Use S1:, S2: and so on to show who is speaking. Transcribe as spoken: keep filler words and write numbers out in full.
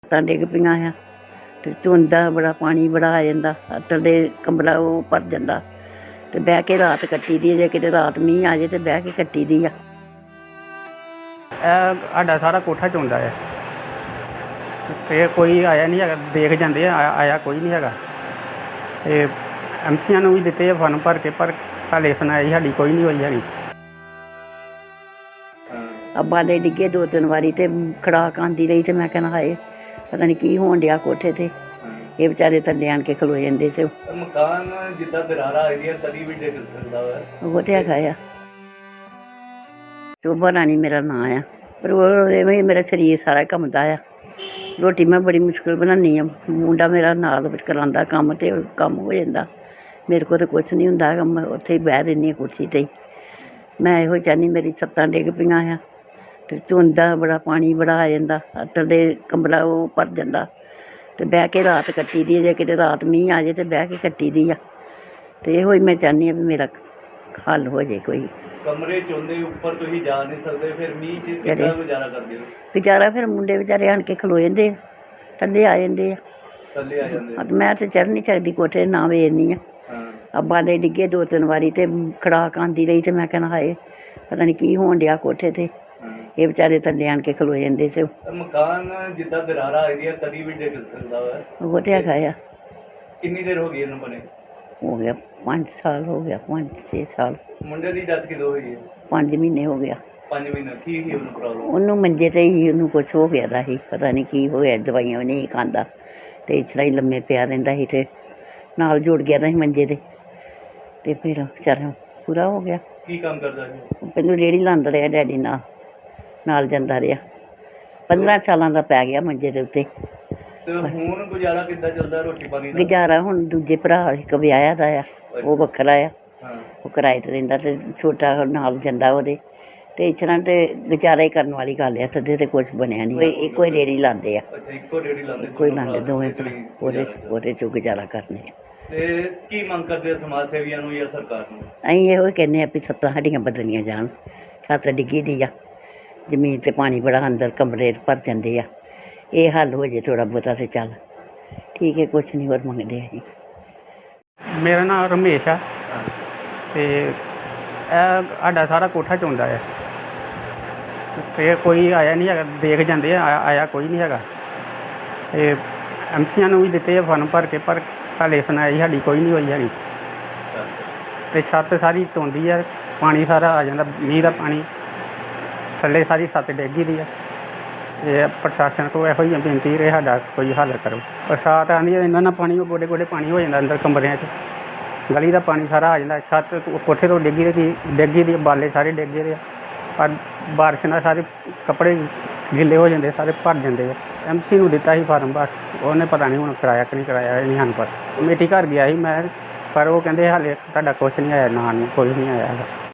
S1: ਤਾਂ ਡਿੱਗ ਪਈਆਂ ਆ ਅਤੇ ਧੁੰਦਾ ਬੜਾ ਪਾਣੀ ਬੜਾ ਆ ਜਾਂਦਾ ਥੱਲੇ ਕਮਰਾ ਉਹ ਭਰ ਜਾਂਦਾ ਅਤੇ ਬਹਿ ਕੇ ਰਾਤ ਕੱਟੀ ਦੀ ਜੇ ਕਿਤੇ ਰਾਤ ਮੀਂਹ ਆ ਜਾਏ ਤਾਂ ਬਹਿ ਕੇ ਕੱਟੀ ਦੀ ਆ।
S2: ਇਹ ਸਾਡਾ ਸਾਰਾ ਕੋਠਾ ਚੋਂਦਾ ਹੈ ਅਤੇ ਕੋਈ ਆਇਆ ਨਹੀਂ ਹੈਗਾ, ਦੇਖ ਜਾਂਦੇ ਆ ਆਇਆ ਕੋਈ ਨਹੀਂ ਹੈਗਾ। ਅਤੇ ਐਮ ਸੀਆਂ ਨੂੰ ਵੀ ਦਿੱਤੇ ਆ ਫਾਰਮ ਭਰ ਕੇ, ਪਰ ਹਾਲੇ ਸੁਣਾਈ ਸਾਡੀ ਕੋਈ ਨਹੀਂ ਹੋਈ ਹੈਗੀ।
S1: ਅੱਬਾ ਦੇ ਡਿੱਗੇ ਦੋ ਤਿੰਨ ਵਾਰੀ ਅਤੇ ਖੜਾਕ ਆਉਂਦੀ ਰਹੀ ਅਤੇ ਮੈਂ ਕਹਿਣਾ ਹਾਏ ਪਤਾ ਨਹੀਂ ਕੀ ਹੋਣ ਡਿਆ ਕੋਠੇ 'ਤੇ। ਇਹ ਵਿਚਾਰੇ ਥੱਲੇ ਆਣ ਕੇ ਖਲੋ ਜਾਂਦੇ ਸੀ।
S3: ਮਕਾਨ ਜਿੱਦਾਂ ਦਰਾਰਾਂ ਆਈਆਂ ਕਦੀ ਵੀ ਡਿੱਗ ਸਕਦਾ ਵਾ।
S1: ਉਹ ਤਾਂ ਹੈਗਾ ਆ। ਸ਼ੋਭਾ ਰਾਣੀ ਮੇਰਾ ਨਾਂ ਆ, ਪਰ ਉਹ ਐਵੇਂ ਮੇਰਾ ਸਰੀਰ ਸਾਰਾ ਕੰਮਦਾ ਆ। ਰੋਟੀ ਮੈਂ ਬੜੀ ਮੁਸ਼ਕਿਲ ਬਣਾਉਂਦੀ ਹਾਂ, ਮੁੰਡਾ ਮੇਰਾ ਨਾਲ ਵਿੱਚ ਕਰਾਉਂਦਾ ਕੰਮ ਅਤੇ ਕੰਮ ਹੋ ਜਾਂਦਾ। ਮੇਰੇ ਕੋਲ ਤਾਂ ਕੁਛ ਨਹੀਂ ਹੁੰਦਾ ਹੈਗਾ, ਮੈਂ ਉੱਥੇ ਹੀ ਬਹਿ ਰਹਿੰਦੀ ਹਾਂ ਕੁਰਸੀ 'ਤੇ ਹੀ। ਮੈਂ ਇਹੋ ਚਾਹੁੰਦੀ ਮੇਰੀ ਛੱਤਾਂ ਡਿੱਗ ਪਈਆਂ ਆ ਅਤੇ ਧੁੰਦਾ ਬੜਾ ਪਾਣੀ ਬੜਾ ਆ ਜਾਂਦਾ ਥੱਲੇ ਕਮਰਾ ਉਹ ਭਰ ਜਾਂਦਾ ਅਤੇ ਬਹਿ ਕੇ ਰਾਤ ਕੱਟੀ ਦੀ ਜੇ ਕਿਤੇ ਰਾਤ ਮੀਂਹ ਆ ਜਾਏ ਤਾਂ ਬਹਿ ਕੇ ਕੱਟੀ ਦੀ ਆ। ਅਤੇ ਇਹੋ ਹੀ ਮੈਂ ਚਾਹੁੰਦੀ ਹਾਂ ਵੀ ਮੇਰਾ ਹੱਲ ਹੋ ਜਾਏ ਕੋਈ।
S3: ਕਮਰੇ 'ਚ ਹੁੰਦੇ ਉੱਪਰ ਤੁਸੀਂ ਜਾ ਨਹੀਂ ਸਕਦੇ, ਫਿਰ ਮੀਂਹ 'ਚ ਕਿੱਦਾਂ ਗੁਜ਼ਾਰਾ ਕਰਦੇ ਹੋ?
S1: ਗੁਜ਼ਾਰਾ ਫਿਰ ਮੁੰਡੇ ਵਿਚਾਰੇ ਆਣ ਕੇ ਖਲੋ ਜਾਂਦੇ ਆ, ਥੱਲੇ ਆ ਜਾਂਦੇ ਆ।
S3: ਥੱਲੇ ਆ ਜਾਂਦੇ?
S1: ਮੈਂ ਤਾਂ ਚੜ੍ਹ ਨਹੀਂ ਸਕਦੀ ਕੋਠੇ, ਨਾ ਵੇਖਦੀ ਆ। ਅੱਬਾ ਦੇ ਡਿੱਗੇ ਦੋ ਤਿੰਨ ਵਾਰੀ ਅਤੇ ਖੜਾਕ ਆਉਂਦੀ ਰਹੀ ਅਤੇ ਮੈਂ ਕਹਿਣਾ ਹਾਏ ਪਤਾ ਨਹੀਂ ਕੀ ਹੋਣ ਡਿਆ ਕੋਠੇ 'ਤੇ। ਇਹ ਵਿਚਾਰੇ ਥੱਲੇ ਆਣ ਕੇ ਖਲੋ ਜਾਂਦੇ ਸੀ।
S3: ਮਕਾਨ ਜਿੱਦਾਂ ਦਰਾਰਾਂ ਆਈਆਂ ਕਦੀ ਵੀ ਡਿੱਗ ਸਕਦਾ ਵਾ।
S1: ਉਹ ਤਾਂ ਹੈਗਾ ਆ।
S3: ਕਿੰਨੀ ਦੇਰ ਹੋ ਗਈ ਇਹਨੂੰ ਬਣੇ?
S1: ਹੋ ਗਿਆ ਪੰਜ ਸਾਲ ਹੋ ਗਿਆ, ਪੰਜ ਛੇ ਸਾਲ।
S3: ਮੁੰਡੇ ਦੀ ਡੈਥ ਕਦੋਂ ਹੋਈ ਹੈ?
S1: ਪੰਜ ਮਹੀਨੇ ਹੋ ਗਿਆ।
S3: ਪੰਜ ਮਹੀਨੇ? ਕੀ ਸੀ ਉਹਨੂੰ ਪ੍ਰੋਬਲਮ?
S1: ਉਹਨੂੰ ਮੰਜੇ 'ਤੇ ਹੀ ਉਹਨੂੰ ਕੁਛ ਹੋ ਗਿਆ ਦਾ ਸੀ, ਪਤਾ ਨਹੀਂ ਕੀ ਹੋਇਆ, ਦਵਾਈਆਂ ਵੀ ਨਹੀਂ ਖਾਂਦਾ ਅਤੇ ਇਸ ਤਰ੍ਹਾਂ ਹੀ ਲੰਮੇ ਪਿਆ ਰਹਿੰਦਾ ਸੀ ਅਤੇ ਨਾਲ ਜੁੜ ਗਿਆ ਦਾ ਸੀ ਮੰਜੇ 'ਤੇ ਅਤੇ ਫਿਰ ਵਿਚਾਰਾ ਪੂਰਾ ਹੋ ਗਿਆ।
S3: ਕੀ ਕੰਮ ਕਰਦਾ ਸੀ?
S1: ਪਹਿਲਾਂ ਰੇਹੜੀ ਲਾਉਂਦਾ ਰਿਹਾ ਡੈਡੀ ਨਾਲ ਨਾਲ ਜਾਂਦਾ ਰਿਹਾ। ਪੰਦਰਾਂ ਸਾਲਾਂ ਦਾ ਪੈ ਗਿਆ ਮੰਜੇ ਦੇ ਉੱਤੇ।
S3: ਤੇ ਹੁਣ ਗੁਜ਼ਾਰਾ ਕਿੱਦਾਂ ਚੱਲਦਾ ਰੋਟੀ ਪਾਣੀ ਦਾ?
S1: ਗੁਜ਼ਾਰਾ ਹੁਣ ਦੂਜੇ ਭਰਾ ਇੱਕ ਵਿਆਹਿਆ ਦਾ ਆ, ਉਹ ਵੱਖਰਾ ਆ,
S3: ਹਾਂ।
S1: ਉਹ ਕਿਰਾਏ 'ਤੇ ਰਹਿੰਦਾ ਅਤੇ ਛੋਟਾ ਨਾਲ ਜਾਂਦਾ ਉਹਦੇ। ਅਤੇ ਇਸ ਤਰ੍ਹਾਂ ਤਾਂ ਗੁਜ਼ਾਰਾ ਹੀ ਕਰਨ ਵਾਲੀ ਗੱਲ ਆ, ਥੱਲੇ ਤਾਂ ਕੁਛ ਬਣਿਆ ਨਹੀਂ। ਕੋਈ ਇੱਕੋ ਹੀ ਰੇਹੜੀ ਲਾਉਂਦੇ ਆ।
S3: ਅੱਛਾ, ਇੱਕੋ ਰੇਹੜੀ ਲਾਉਂਦੇ?
S1: ਕੋਈ ਲਾਉਂਦੇ ਦੋਵੇਂ ਭਰਾ, ਉਹਦੇ ਉਹਦੇ 'ਚੋਂ ਗੁਜ਼ਾਰਾ ਕਰਨੇ ਆ।
S3: ਤੇ ਕੀ ਮੰਗ ਕਰਦੇ ਆ ਸਮਾਜ ਸੇਵੀਆਂ ਨੂੰ ਜਾਂ ਸਰਕਾਰ ਨੂੰ?
S1: ਅਸੀਂ ਇਹੋ ਹੀ ਕਹਿੰਦੇ ਹਾਂ ਵੀ ਛੱਤਾਂ ਸਾਡੀਆਂ ਬਦਲੀਆਂ ਜਾਣ। ਛੱਤ ਡਿੱਗੀ ਦੀ ਆ, ਜ਼ਮੀਨ 'ਤੇ ਪਾਣੀ ਬੜਾ ਅੰਦਰ ਕਮਰੇ ਭਰ ਜਾਂਦੇ ਆ। ਇਹ ਹੱਲ ਹੋ ਜੇ ਥੋੜ੍ਹਾ ਬਹੁਤਾ ਤਾਂ ਚੱਲ ਠੀਕ ਹੈ, ਕੁਛ ਨਹੀਂ ਹੋਰ ਮੰਗਦੇ ਅਸੀਂ।
S2: ਮੇਰਾ ਨਾਮ ਰਮੇਸ਼ ਆ ਅਤੇ ਇਹ ਸਾਡਾ ਸਾਰਾ ਕੋਠਾ ਚੋਂਦਾ ਹੈ ਅਤੇ ਕੋਈ ਆਇਆ ਨਹੀਂ ਹੈਗਾ, ਦੇਖ ਜਾਂਦੇ ਆ ਆਇਆ ਕੋਈ ਨਹੀਂ ਹੈਗਾ। ਅਤੇ ਐਮ ਸੀਆਂ ਨੂੰ ਵੀ ਦਿੱਤੇ ਆ ਫਾਰਮ ਭਰ ਕੇ, ਪਰ ਹਾਲੇ ਸੁਣਾਈ ਸਾਡੀ ਕੋਈ ਨਹੀਂ ਹੋਈ ਹੈਗੀ। ਅਤੇ ਛੱਤ ਸਾਰੀ ਧੋਂਦੀ ਆ, ਪਾਣੀ ਸਾਰਾ ਆ ਜਾਂਦਾ, ਮੀਂਹ ਦਾ ਪਾਣੀ ਥੱਲੇ ਸਾਰੀ ਛੱਤ ਡਿੱਗੀ ਦੀ ਆ। ਇਹ ਪ੍ਰਸ਼ਾਸਨ ਕੋਲ ਇਹੋ ਹੀ ਬੇਨਤੀ ਰਹੇ ਸਾਡਾ ਕੋਈ ਹੱਲ ਕਰੋ। ਬਰਸਾਤ ਆਉਂਦੀ ਹੈ ਇਹਨਾਂ ਨਾਲ ਪਾਣੀ ਗੋਡੇ ਗੋਡੇ ਪਾਣੀ ਹੋ ਜਾਂਦਾ ਅੰਦਰ ਕਮਰਿਆਂ 'ਚ, ਗਲੀ ਦਾ ਪਾਣੀ ਸਾਰਾ ਆ ਜਾਂਦਾ। ਛੱਤ ਕੋਠੇ ਤੋਂ ਡਿੱਗੀ ਦੀ ਡਿੱਗੀ ਦੀ ਬਾਲੇ ਸਾਰੇ ਡਿੱਗੇ ਦੇ ਆ, ਪਰ ਬਾਰਿਸ਼ ਨਾਲ ਸਾਰੇ ਕੱਪੜੇ ਗਿੱਲੇ ਹੋ ਜਾਂਦੇ, ਸਾਰੇ ਭਰ ਜਾਂਦੇ ਆ। ਐਮ ਸੀ ਨੂੰ ਦਿੱਤਾ ਸੀ ਫਾਰਮ, ਬਸ ਉਹਨੇ ਪਤਾ ਨਹੀਂ ਹੁਣ ਕਰਾਇਆ ਕਿ ਨਹੀਂ ਕਰਾਇਆ, ਇਹ ਨਹੀਂ ਸਾਨੂੰ ਪਤਾ। ਕਮੇਟੀ ਘਰ ਗਿਆ ਸੀ ਮੈਂ, ਪਰ ਉਹ ਕਹਿੰਦੇ ਹਾਲੇ ਤੁਹਾਡਾ ਕੁਛ ਨਹੀਂ ਆਇਆ, ਨਾ ਕੋਈ ਨਹੀਂ ਆਇਆ ਹੈਗਾ।